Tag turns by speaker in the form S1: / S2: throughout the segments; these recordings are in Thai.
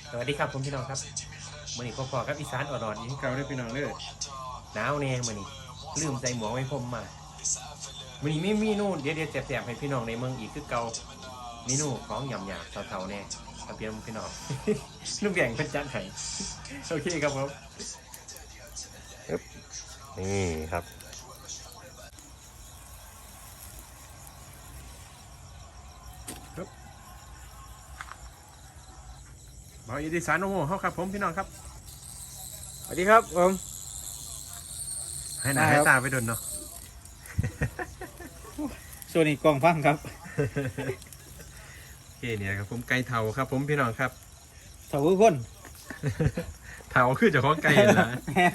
S1: สวัสดีครับผมพี่น้องครับมื่อนี้พอๆกับอีสานอ่อนๆนี้เก่าได้พี่น้องเลยหนาวแน่มื่อนี้ลืมใส่หมวกไว้ผมมามื่อนี้ไม่มีนู่นเดี๋ยวแสบๆให้พี่น้องในเมืองอีกคือเก่าเมนูของหยำๆเท่าๆแน่กับพี่น้อง นุ่มแก่งเป็นจานไห้โอเคครับผมนี่ครับบอยอีสานโอ้โหเขาครับผมพี่น้องครับ
S2: สวัสดีครับผม
S1: ให้หน้าให้ตาไปดนเนาะ
S2: ส่วนนี้กล้องฟังครับ
S1: โอเคเนี่ยครับผมไก่เทาครับผมพี่น้องครับ
S2: เสาคน
S1: เทาคือเจ้าของไก่นะ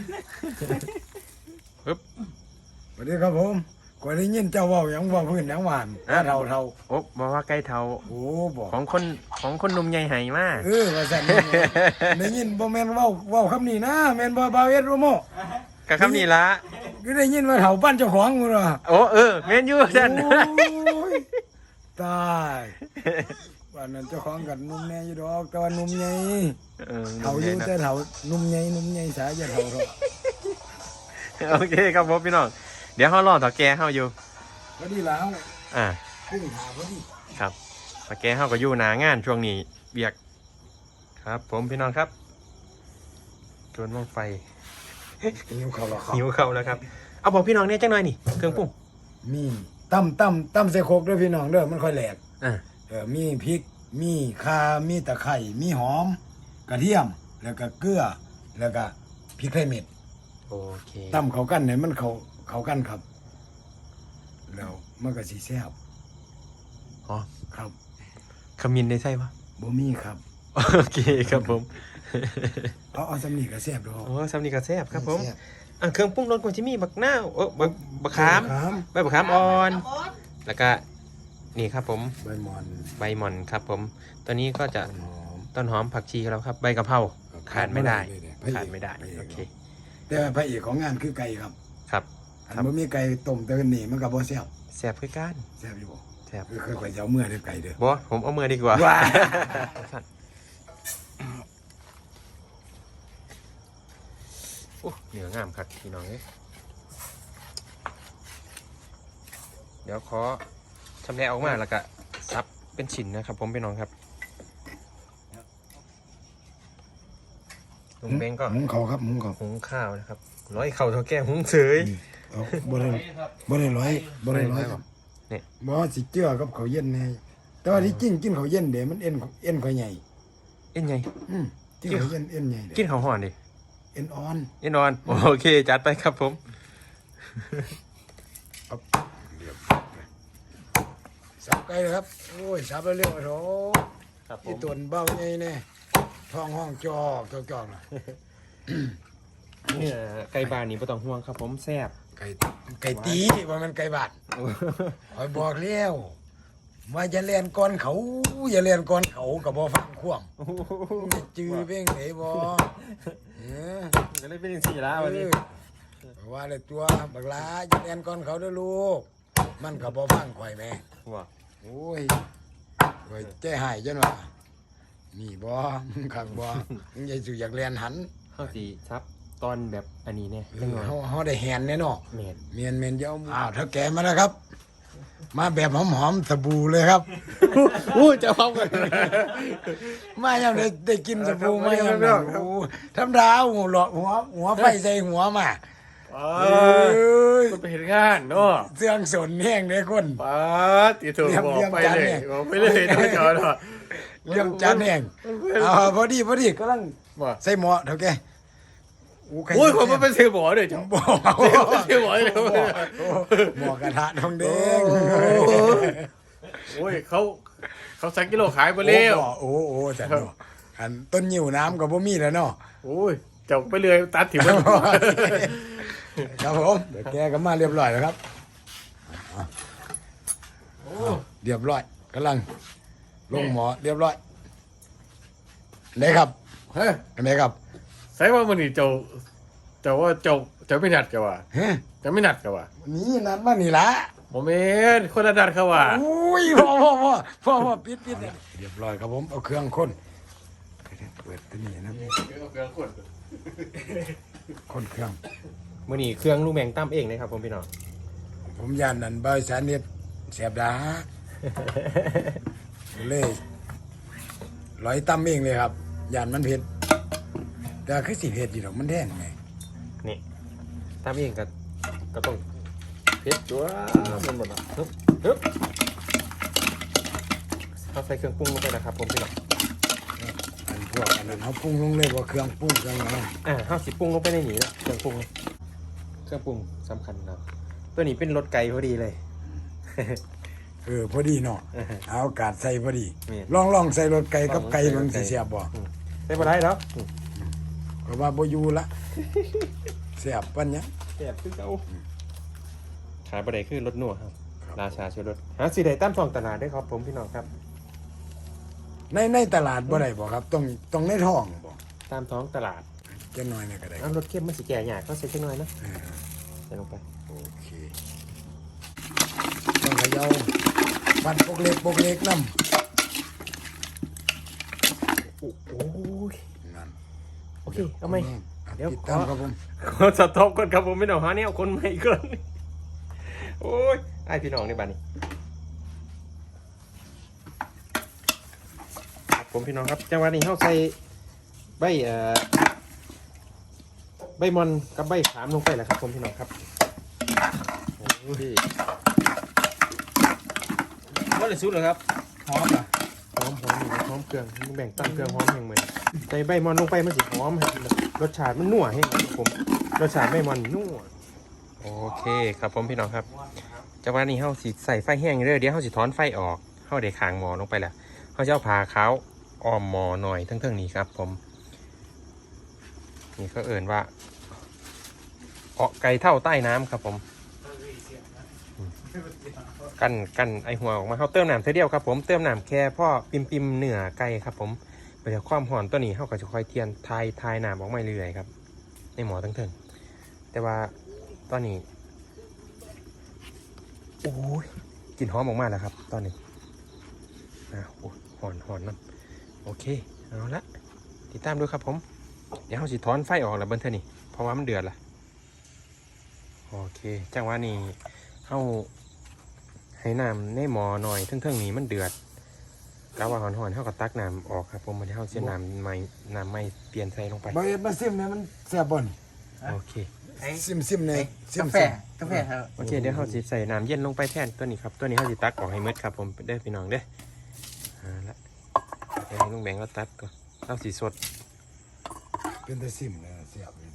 S1: ปึ๊บ
S3: สวัสดีครับผมก็ได้ยินเจ้าเว่าอย่างว่าพื้นอย่างหวานเท่า
S1: โอ๊บบอกว่าไก่เทา
S3: โอ้บอก
S1: ของคนหนุ่มใหญ่ไหมาก
S3: ว่าสั่นได้ยินบ่แม่นเว้าคำนี้นะแม่นบ่บาเวสโรโม
S1: กับคำนี้ละ
S3: ก็ได้ยินว่าเฒ่าบ้านเจ้าของมึงเหรอ
S1: โอ้เมนยูท่าน
S3: โอ้ยตายบ้านนั้นเจ้าของกันนุ่มแน่อยู่ดอกแต่ว่านุ่มใหญ่เฒ่าอยู่แต่เฒ่านุ่มใหญ่สายจะเฒ่าเนาะ
S1: โอเคครับผมพี่น้องเดี๋ยวเขารอต่อแกเขาอยู่
S3: พอดีแล้ว
S1: อ่า
S3: ขึ้นหาพอดี
S1: ครับต่อแกเขาก็อยู่หนางานช่วงนี้เบียกครับ ผมพี่น้องครับจนว่างไฟ
S3: หิวเขาหรอครับ
S1: หิวเข้าแล้วครับเอาบอกพี่น้องเนี่ยจังหน่อยนี่เครื่องปรุง
S3: มีตั้มใส่โคกด้วยพี่น้องเด้อมันค่อยแหลก
S1: อ่า
S3: มีพริก มีข่า มีตะไคร้ มีหอม กระเทียม แล้วก็เกลือ แล้วก็พริกไทยเม็ด
S1: โอเค
S3: ตำเขากันเนี่ยมันเขากันครับ แล้วมันก็สีแซ่บ
S1: อ๋อ
S3: ครับ
S1: ขมิ้นได้ใช่ปะ
S3: บ่มีครับ
S1: โอเคครับผม
S3: เอาสำนีก็แซ่บดอก
S1: โอ้ซัมนี่ก็แซ่บครับผม
S3: แซ่บ
S1: อ่ะเครื่องปรุงรสก็จะมีบักนาวบักขาม
S3: ครับ
S1: ใบบักขามอ่อน แล้วก็นี่ครับผม
S3: ใบมอน
S1: ใบหม่อนครับผมตัวนี้ก็จะ
S3: หอม
S1: ต้นหอมผักชีแล้วครับ ใบกะเพราขาดไม่ได้ขาดไม่ได้
S3: พระเอก
S1: โอเค
S3: แต่พระเอกของงานคือไก่ครับ
S1: ครับ
S3: อันบ่มีไก่ต้มแต่กันนี่มันก็บ่แซ่บ
S1: แซ่บคือกัน
S3: แซ่บอยู่บ่
S1: แซ่บ
S3: คือค่อยๆจะเอาเมื่อเด้อไก่เด้อ
S1: บอผมเอามือดีกว่า
S3: ว้า
S1: โอ้เหนืองามครับพี่น้องเอ้ยเดี๋ยวขอชำแหละออกมาแล้วก็ซับเป็นชิ้นนะครับ ผมพี่น้องครับลุงเบงก็
S3: หุงเขาครับหุงเขา
S1: หุงข้าวนะครับร้อยเข่าเท่าแก่หุงเสย
S3: เอาบ่ได้ร้อยครับ
S1: นี่
S3: บ่สิเจือกับเขาวเย็นแน่แต่ว่าที่จริงกินเขาวเย็นเด้มันเอ็นข่อยใหญ่
S1: เอ็นไง
S3: กินเขาวเย็นเอ็นใหญ่
S1: กิ
S3: เด้
S1: นข้าวห่อนดิ
S3: เอ็นอ่อน
S1: เอ็นนอนโอเคจัดไปครับผม
S3: สับไก่เลยครับโอ้ยสับเร็วๆโถ
S1: ครับผ
S3: ที่
S1: ม
S3: ตวนเบ้าใหญ่แน่ท้องห้องจอกน่ะ
S1: เนี่ยไก่บานนี่ไม่ต้องห่วงครับผมแซ่บ
S3: ไก่ตีว่ามันไก่บาดคอยบอกแล้วว่าอย่าเล่นก่อนเขาอย่าเล่นก่อนเขาก็บ่ฟังควมจื้อเพ่งไหนบ่เออ
S1: จะได้เป็นสี่แล้ววันนี้
S3: ว่าเลยตัวบักหลาอย่าเล่นก่อนเขาเด้อลูก มันก็บ่ฟังข่อยแม่
S1: ว้า
S3: โอ้ยข่อยใจหายจังว่านี่บ่มึงคักบ่มึงอย่าสิอยากเล่นหัน
S1: ข้าวสีซับตอนแบบอันนี้เนี่ย
S3: เอ
S1: เรื่อง
S3: อ
S1: น้อย
S3: เฮาได้แหนแน่เนาะ
S1: เมน
S3: เมียนเดี๋ยวอ้าวถ้าแกมาแล้วครับ มาแบบหอมๆสบู่เลยครับ
S1: อู้จะพร้อมกัน
S3: มายังได้กินสบู่มายังได้โอ้ธรรมดาหัวหลอดหัวไฟใส่หัวมาเอ้ย
S2: มันไปเห็นงานเนาะ
S3: เสื่องสนแห้งเด้คน
S2: ป้าตีถูกบอกไปเลยบอกไปเลยน้องจอเนาะ
S3: เรื่องจานแห้งพอดีกำลัง
S2: ว่า
S3: ใส่หม้อเท่าแกไก่
S2: โอ้ยผมมันเป็นเสือหมอเลยจ้ะ
S3: บ่
S2: เสือหมอเลย
S3: หม้อกระทะทองแดง
S2: โอ้ยเขาสั่งกิโลขายไปแล้ว
S3: โอ้แต่เนาะอันต้นยิ้วน้ำกับบ่มีแล้วเนาะ
S2: โอ้ยจกไปเลยตัดถิ่มมัน
S3: ครับผมเดี๋ยวแกก็มาเรียบร้อยแล้วครับเรียบร้อยกำลังลงหมอเรียบร้อยไหนครับ
S2: เฮ้ย
S3: ไหนครับ
S2: ใส่ว่ามันนี่เจ้าว่าเจ้าไม่นัดกันว่ะ
S3: เฮ้ย
S2: จะไม่นัดกันว่ะ
S3: นี่นัดมานี่ละ
S2: โมเมนคนละนัดเขาว่ะ
S3: อุ้ยพ่อปิดเนี่ยเรียบร้อยครับผมเอาเครื่องข้นเปิดตัวนี้นะ
S2: เอาเครื่องขวด
S3: คนเครื่อง
S1: มื้อนี้เครื่องลุงแมงตั้มเองนะครับผมพี่น้อง
S3: ผมย่านนั่นบริษัทเนี่ยเสียบดาเลยร้อยตั้มเองเลยครับย่านมันเผ็ดแต่คือสิเผ็ดอยู่ดอกมันแท่งไง
S1: นี่ตั้มเองก็ต้องเผ็ดตัวมันหมดแล้วฮึบเอาใส่เครื่องปรุงลงไปนะครับผมพี่น้อง
S3: อันพวกอันนั้นเขาปรุงลงเลยว่าเครื่องปรุงเครื่องอะไร
S1: เฮาสิปรุงลงไปในนี้แล้วเครื่องปรุงสำคัญนะตัวนี้เป็นรสไก่พอดีเลย
S3: พอดีเนาะเอาอากาศใส่พอดี
S1: นี่
S3: ลองใส่รถไก่กับไก่มันสิเสียบบ่
S1: ใส่บ่ได้แล้ว
S3: ก็ว่าบ่อยู่ละเสียบปัญญา
S1: แซ่บคือเก่าขายบ่ได้คือรสนัวครับราชาชูรสหาสิได้ตามท้องตลาดได้ครับผมพี่น้องครับ
S3: ในตลาดบ่ได้บ่ครับต้องในท้องบ่
S1: ตามท้องตลาด
S3: จะน้อยนี่ก็ได้
S1: รสเข้มมันสิแก่ยากก็ใส่จักหน่อยนะ
S3: เออ
S1: ใส่ลงไป
S3: โอเคต้องเขย่าปัดปกเล็กน้ำ
S1: โอ้ย
S3: นั่น
S1: โอเคเอาไหม เดี๋ยว
S3: ติดตามครับผม
S1: ขอสต็อปก่อนครับผมไม่ต้องหาเนี่ยคนใหม่ก่อนโอ้ยไอพี่น้องในบ้านนี้ครับผมพี่น้องครับจังหวะนี้เขาใส่ใบใบมอนกับใบขามลงไปแล้วครับผมพี่น้องครับโอ้ย
S2: ว่าเลยสุดเหรอครับหอมเหรอ
S1: หอมหอมเครื่องแบ่งตั้งเครื่องหอมแห่งเหมือนใส่ใบมอนลงไปมันสิหอมให้รสชาติมันนัวให้ครับผมรสชาติใบมอนนัวโอเคครับผมพี่น้องครับจังหวะนี้เขาสิใส่ไฟแห้งเรื่อยเดี๋ยวเขาสิถอนไฟออกเขาได้ขางหมอลงไปแล้วเขาจะเอาผ่าขาวอ้อมหมอหน่อยทั้งๆนี้ครับผมนี่ก็เอิ่นว่าไก่เท่าใต้น้ำครับผมกันไอหัวออกมาเขาเติมน้ำเท่าเดียวครับผมเติมน้ำแค่พ่อปิมเนื้อไก่ครับผมไปจากความหอนตัวนี้เขาก็จะคอยเทียนทายน้ำออกมาเรื่อยๆครับในหมอทั้งถึงแต่ว่าตอนนี้โอ้ยกลิ่นหอมออกมาแล้วครับตอนนี้โอ้หอนนั่นโอเคเอาละติดตามด้วยครับผมเดี๋ยวเขาสิถอนไฟออกแล้วเบิ้ลเท่านี้เพราะว่ามันเดือดละโอเคจังหวะนี้เขาให้น้ำในหมอหน่อยทั้งๆนี้มันเดือดแล้วว่าหอนๆเท่ากับตักน้ำออกครับผมมันเท่าเส้นน้ำไม่เปลี่ยนใส่ลงไป
S3: บ่เอ็ดมาซิมเนี่ยมันแซ่บบ่น
S1: โอเค
S3: ซิมเนี่ยซิม
S2: กาแฟครับ
S1: โอเคเดี๋ยวเขาสิใส่น้ำเย็นลงไปแทนตัวนี้ครับตัวนี้เขาสิตักออกให้หมดครับผมเด้อพี่น้องเด้อละเดี๋ยวให้ลุงแบงค์เราตัดก่อนเราสีสด
S3: เป็นแต่ซิมเนี่ยแซ่บเลย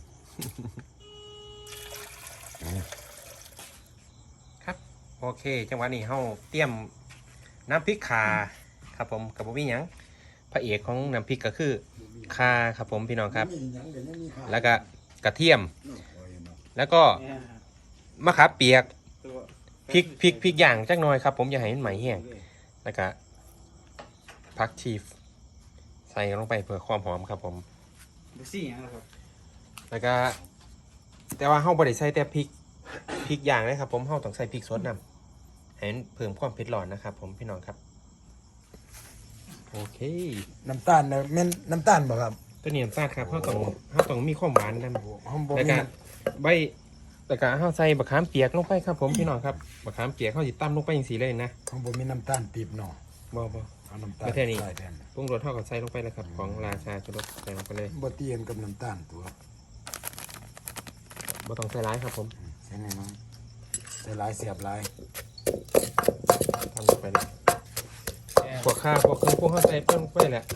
S1: ครับโอเคจังหวะนี้เขาเตรียมน้ำพริกข่าครับผมกับบ่มีหยังพระเอกของน้ำพริกก็คือข่าครับผมพี่น้องครับ แล้วก็กระเทียม แล้วก็มะขามเปียกพริกอย่างจักหน่อยครับผมอย่าให้มันไหมแห้งแล้วก็ผักชีใส่ลงไปเพื่อความหอมครับผม
S2: ดูสิอย่างไรครับ
S1: แล้วก็แต่ว่าเฮาบ่ได้ใส่แต่พริกอย่างนะครับผมเฮาต้องใส่พริกสดนำให้มันเพิ่มความเผ็ดร้อนนะครับผมพี่น้องครับโอเค
S3: น้ำตาลเนี่ยแม่นน้ำตาลบ่ครับ
S1: ตัวนี้น้ำตาลครับเฮาต้องมีความหวานนำ
S3: หอมบ่
S1: แล้ว
S3: มี
S1: ก็ใบแล้วก็เฮาใส่บะขามเปียกลงไปครับผมพี่น้องครับบะขามเปียกเฮาสิตำลงไปจังซี่เลยนะ
S3: หอมบ่มีน้ำตาลปีบเนาะ
S1: บ่
S3: เอาน้ำตาล
S1: ประเทศนี้
S3: ใส่แทน
S1: ปรุงรสเฮาก็ใส่ลงไปแล้วครับของราชาจุรสใส่ลงไปเลย
S3: บ่เตียนกับน้ำตาลตัว
S1: บ่ต้องใส่ร้ายครับผม
S3: ใส่น้อยใส่หลายเสียบหลาย
S1: ทำลงไปเลยพวกข้าวพวกเครื่องพวกเฮาใส่เพิ่มไปแหละ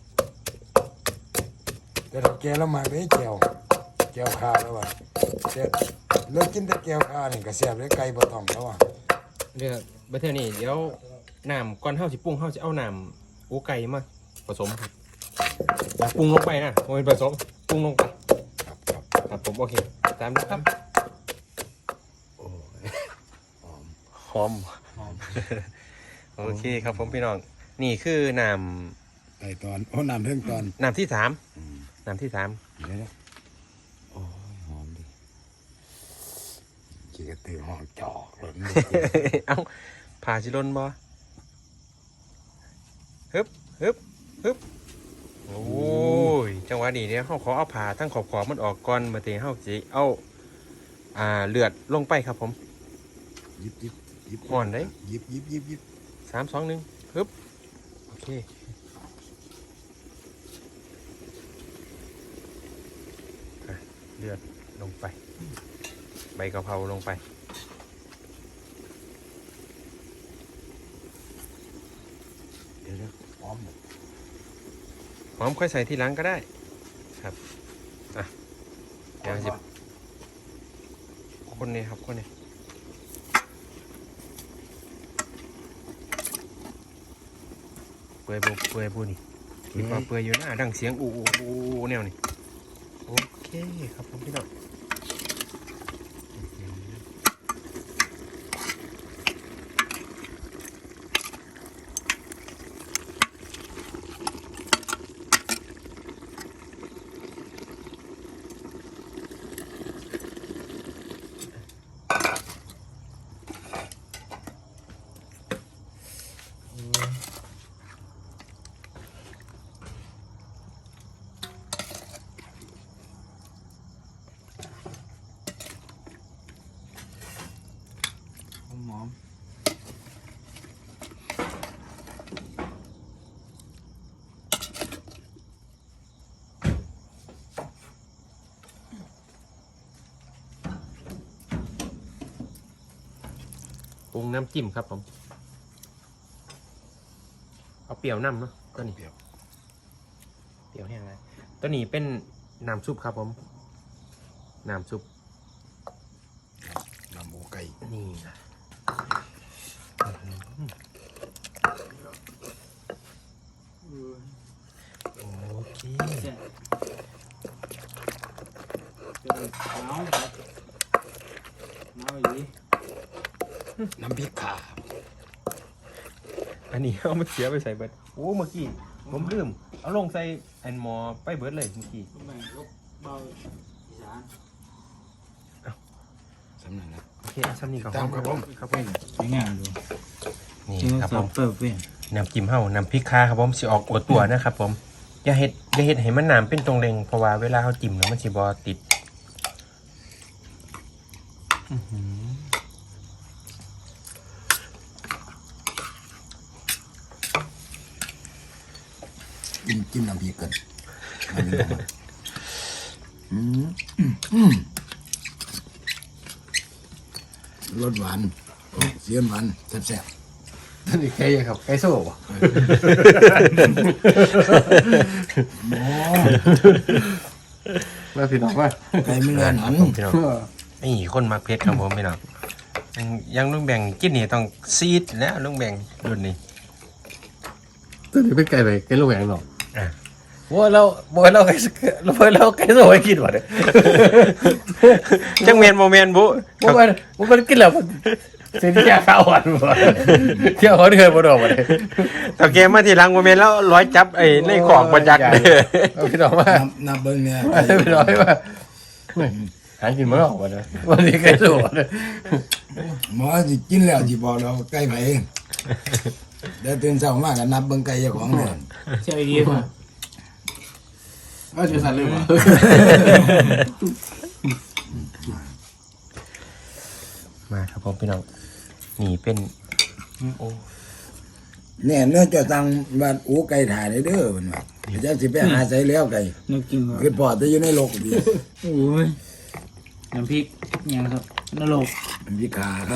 S3: แต่ถ้าแกแล้วมาได้แก้วข้าวแล้วว่ะแต่เลิกกินแต่แก้วข้าวนี่ก็เสียบเลยไก่บ่ต้องแล้วว่ะ
S1: เดี๋ยวประเทศนี้เดี๋ยวน้ำก่อนเฮาสิปรุงเฮาสิเอาน้ำอูไก่มาผสมครับอย่าปรุงลงไปนะโอ้ยผสมปรุงลงไป
S3: ครับ
S1: ครับผมโอเคตามนะครับ
S3: โอ้ยหอม
S1: หอมโอเคครับผมพี่น้องนี่คือน้
S3: ไต่ตอนโอ้น้ำเพิ่งตอน
S1: ำที่สาม
S3: อืม
S1: น้ำที่สาม
S3: เดี๋ยวนะโอ้ยหอมดิขี้กระตือหอมจอกหล่น
S1: เอ้าผ่าชิลนบ่ฮึบโอ้ยจังหวะนี้เนี่ยเขาขอเอาผ่าทั้งขอบมันออกก่อนมาเตะเขาสิเอาเลือดลงไปครับผม
S3: ยิบยิบยิบ
S1: อ่อนได้
S3: ยิบยิบยิบยิบ
S1: 3 2 1ฮึบโอเคเลือดลงไปใบกะเพราลงไปเดี๋ยว
S3: พร้อม
S1: หอมค่อยใส่ทีหลังก็ได้ครับเดี๋ยวสิคนนี้ครับคนนี้เปื่อยบูนี่คิดว่าเปื่อยอยู่นะดังเสียงอูแนวนี่โอเคครับผมพี่น้อง
S2: หอม
S1: ปรุงน้ำจิ้มครับผมเอาเปรี้ยวน้ำเนาะตัวนี้เปรี้ยวแห้งเลยตัวนี้เป็นน้ำซุปครับผมน้ำซุป
S3: น้ำหมูไก่
S1: นี่นะโอเค
S2: หนาวอย่างนี้
S3: น้ำพริกขา
S1: อันนี้เอามาเสียไปใส่เบิร์ดโอ้เมื่อกี้ผมลืมเอาลงใส่แอนมอไปเบิร์ดเลยเมื่อกี้
S2: แบ่งลบเบาอีสาน
S3: สำนักนะ
S1: โอเคเอาซ้ำนี่ก่อน
S3: ตามครับผม
S1: ครับผม
S2: สวยงามดู
S1: นี่ครับผม
S2: เปิดเป็น
S1: น้ำจิ้มเฮาน้ำพริกคาครับผมสิออกอวดตัวนะครับผมอย่าเฮ็ดให้มันน้ำเป็นตรงเรงเพราะว่าเวลาเขาจิ้มแล้วมันสิบ่ติด
S3: จิ้มน้ำพริกกันรสหวานเสียนหวานแซ่บ
S2: ท่านอีกใครครับใครโซ่บ่
S3: ๆหมอ
S2: มาพี่น้องว่า
S3: ไก่ไม่เลือนหัน
S1: พี่น้องนี่คนมักเผ็ดครับผมพี่น้องยังลุงแบ่งกินนี่ต้องซีดแล้วลุงแบ่งรุ่นนี้
S2: ตัวนี้เป็นไก่ไปไก่ลูกแหวงหรอก
S1: อ่ะ
S2: ว่าเราไก่โซ่ให้กินวะเนี่ย
S1: จังเมนโมเมนบุ
S2: มันกินแล้วเส้นแก่ข้าวหวานบ่เที่ยวเขาเคยบ่ดอกบ่ได้
S1: ตอเกมมาทีหลังโมเมนแล้วร้อยจับไอ้ในของประจักษ์เลย
S2: เอาพี่น้องว่า
S3: นับเบิ้งเนี่ย
S2: พี่น้องว่าหากินบ่ออกบ่ได้วันนี้ไก่โซ่เนี่ย
S3: หมอสิกินแล้วสิบอกเราไก่ไผเดี๋ยวตื่นเช้ามาก็นับเบิ้งไก่เจ้าของเนี่ย
S2: ใช่ดีกว่าว่าจะสั่นเลยบ่
S1: มาครับผมพี่น้องนี่เป็นโอ้
S3: เนี่ยเนื้อเจ้าตังบ้านอูไก่ถ่ายได้เด้อเพิ่นว่าจะสิไปหาใส่แล้วไก่
S2: นึกจริงเหรอ
S3: คือพอจะอยู่ในโลกดี
S2: โอ้ยน้ำพริกยังครับนรก
S3: มันพิขาครับ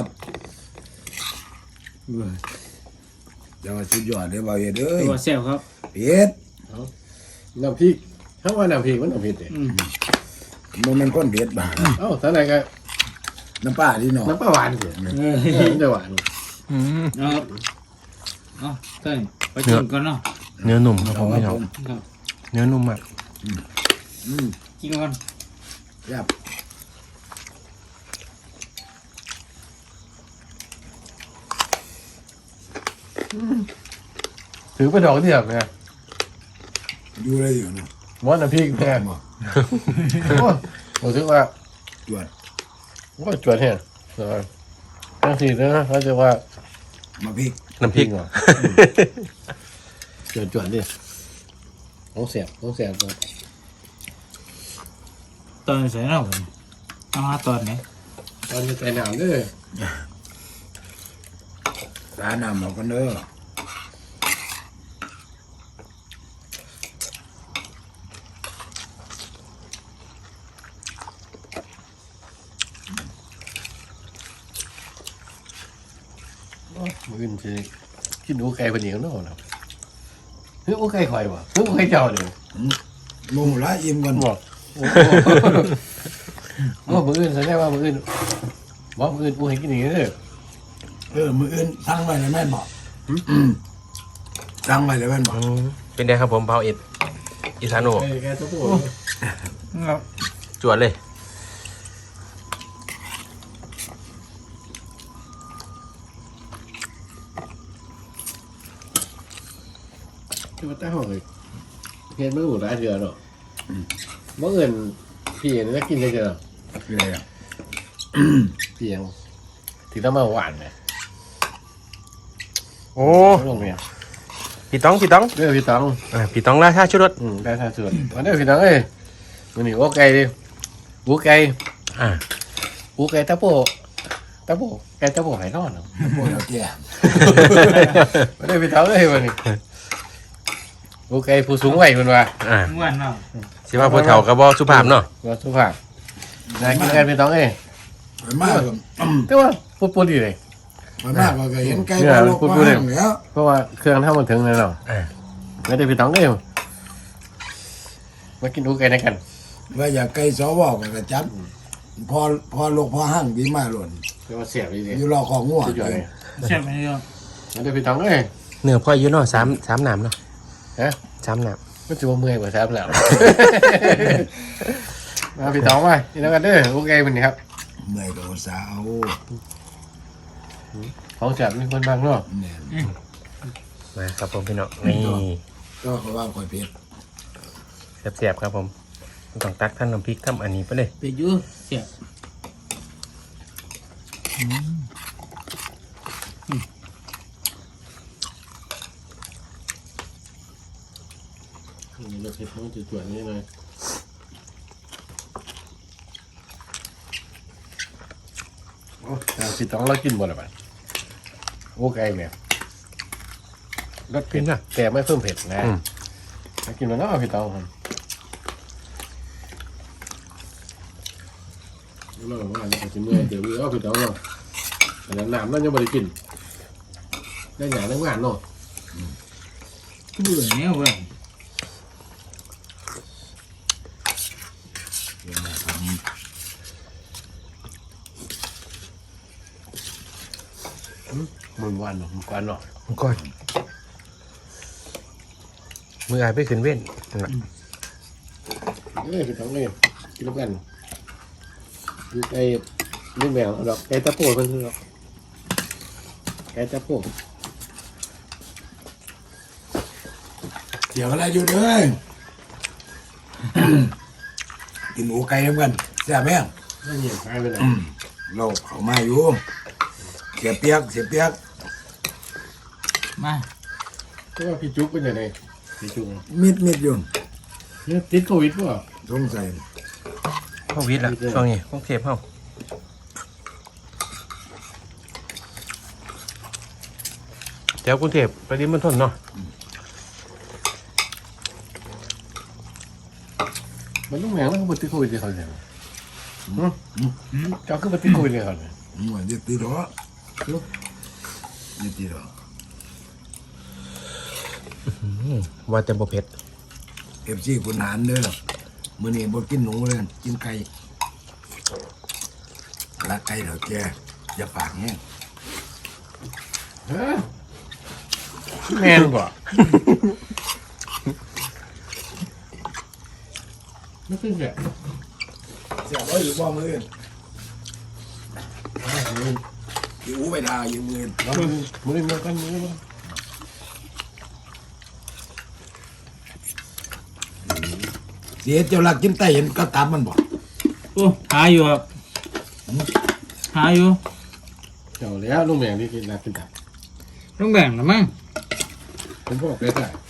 S3: แต่ว่าสุดยอดเด้อบ่าวเฮ็ดเอ้ย
S2: ตัวแซวครับ
S3: เผ็ด
S2: น้ำพริกถ้าว่าน้ำพริกมันน้ำพริกเด้
S3: บ่แม่นคนเผ็ดบ่า
S2: เอ้าท่านไหนก็
S3: น้ำปลาที่น้อง
S2: น้ำปลาหวานเด้มันจะหวาน
S4: เอาเอาเต้ยไปกินก่อนเนาะ
S1: เนื้อนุ่มครับผมพี่น้อง
S4: ครับ
S1: เนื้อนุ่มมาก
S4: กินก่อน
S3: ครับ
S2: ถือเป็นดอกเดียวไง
S3: อยู่เลยอยู่เนาะ
S2: ว่าน้ำพริกแพงบ่ผมคิดว่า
S3: จวด
S2: ว่าจวดแห้งทั้งสี่นะเขาจะว่า
S3: มาพริก
S1: น้ำพริก
S2: จวดดิของเสียบของเสียบ
S4: ตอนใส่เราเอามาตอนไหน
S2: ตอนจะใส่น้ำเด้อ
S3: ร้านน้ำเอากันเด้อ
S2: มืออื่นสิกินอูไก่เป็นอย่างนั้นเนาะเฮ้ยอูไก่ข่อยบ่เฮ้ยอูไก่เจ้าเด้อ
S3: มุงละอิ่มกัน
S2: บอกโอ้โหมืออื่นแสดงว่ามืออื่นบอกมืออื่นอูให้กินอย่างนี้เด้อ
S3: มืออื่นสั่งไว้แล้วแม่นบอกสั่งไว้แล้วแม่นบอก
S1: เป็นไงครับผมเผาเอ็ดอีสานโอ
S2: ไก่แกตัวโต
S1: จวดเลย
S2: ที่ว่าตั้งห้องเลยเห็นมือหมูร้ายเดือดเนาะเมื่อเอินพี่นี่จะกินได้เจอ
S3: เลยอ่ะ
S2: เพียงที่ต้องมาหวานไง
S1: โอ้
S2: ลงเนี่ย
S1: พี่ต้องพี่ต้อง
S2: เด้อพี่ตอง
S1: พี่ต้องราชาชุดรถ
S2: ได้ท่าสุดวันนี้พี่ตองเอ้ยวันนี้โอ้ไก่ดิอูไก่
S1: อ่า
S2: อูไก่ตะโปไก่ตะโปไหนนอนเนาะ
S3: พวกเราแก่
S2: วันนี้พี่ตองเอ้ยวันนี้อูไก่ผู้สูงวัยคนว่า
S1: อ่า
S4: ม้วนเนาะ
S1: สิว่าผู้เฒ่ากับบ่สุภาพเนาะ
S2: ว่าสุภาพนายกินกันพี่ตองเอ้ย
S3: ไปมากก็
S2: แต่ว่าพูดดีเลย
S3: ไปมากก็เห็นไก่ปลาลูกปลาห่างแล้ว
S2: เพราะว่าเครื่องทำมันถึงเลยเนาะ
S1: อ่า
S2: ไม่ได้พี่ตองเอ้ยมากินอูไก่ด้วยกัน
S3: ว่าอยากไก่สวก็จับพอลูกพอห่างดีมากหล่น
S2: เรียกว่าเสียบดีเลย
S3: อยู่รอของง่วง
S2: สุดยอดเลย
S4: ใช่ไหมเนาะ
S2: ไม่ได้พี่ตองเอ้ย
S1: เนื้อพ่ออยู่เนาะสามน้ำเนาะ
S2: ฮะ
S1: สามน้
S2: ก็จะว่าเมื่อยกว่าแซ่บแล้ว มาพี่ตองมาอีกแล้วกันเด้อโอเคมันนี่ครับ
S3: เมื่อยก็อุตส่าห์เอา
S2: ของแซ่บมีคนบางเนาะ
S3: เนี่ย
S1: ำมาครับผมพี่น้องนี่
S3: ก็เขาว่าคอยเผ็ด
S1: เสียบๆครับผมต้องตักท่านน้ำพริกทำอันนี้ไปเลย
S4: ไปอยู่เสีย
S2: นี่เราเทปมันจะจวนนี่เลยโอ้พี่ตองเรากินหมดแล้วป่ะโอเคเนี่ยรสเผ็ดนะแต่ไม่เพิ่มเผ็ดนะเรากินมันเนาะพี่ตองครับเราว่าเราจะเมื่อยเดี๋ยวเอาพี่ตองเนาะแต่น้ำเรายังไม่ได้กินได้หยาได้งานเนาะ
S4: เบื่อเนี่ยเว้ย
S2: มันวันเนาะมันกวนเนาะ
S1: ก่อนมืออายไปขึ้นเว้นนั่นล่ะ
S2: พี่ตองเลยกินแล้วกันคือไอ้ลูกแมวดอกไก่ตะโพดเพิ่นคือดอกไก่ตะโพด
S3: เดี๋ยวอะไรอยู่เด้อ กินหมูไก่เหมือนกันแซ่บแม่ง
S2: ไม่เหยียบใครไปไหน
S3: เราเขามาอยู่เสียเปียก
S4: มา
S2: ก็ว่าพี่จุ๊กเป็นยังไงพี่จุ๊ก
S3: มิดอยู่
S2: เนี่ยติดโควิดป่ะ
S3: สงสัย
S1: โควิดละช่วงนี้กรุงเทพเฮาแถวกรุงเทพปริมณฑลเนาะ
S2: มันต้องแหวงแล้วก็ติดโควิดเลยเขาเนี่ยเจ้าคือมันติดโควิดเลยเขาเนี่ย
S3: เหมือนจะตีหรอจะตีหรอ
S1: ว่าแต่บ่เผ็ด
S3: FC คุณหารเด้อมื้อนี้บ่กินหนูเลยกินไก่รักไก่เถอะแกอย่าปากแห้ง
S2: แม่นป่ะไม่ขึ้นแก
S3: เสียบ่อยู่บ่มื้ออื่นอยู่ไปทาอยู่มื้ออื่น
S2: มือมันกันมือมัน
S3: เสียเจ้าลักกินไก่เห็นก็ตามมันบ่
S4: โอ้หาอยู่ครับหาอยู่
S2: เจ้าแล้วลุงแหวงที่กินนักกินตับ
S4: ต้องแบ่งนะมั้ง
S2: ผมบอกเลยจ้ะ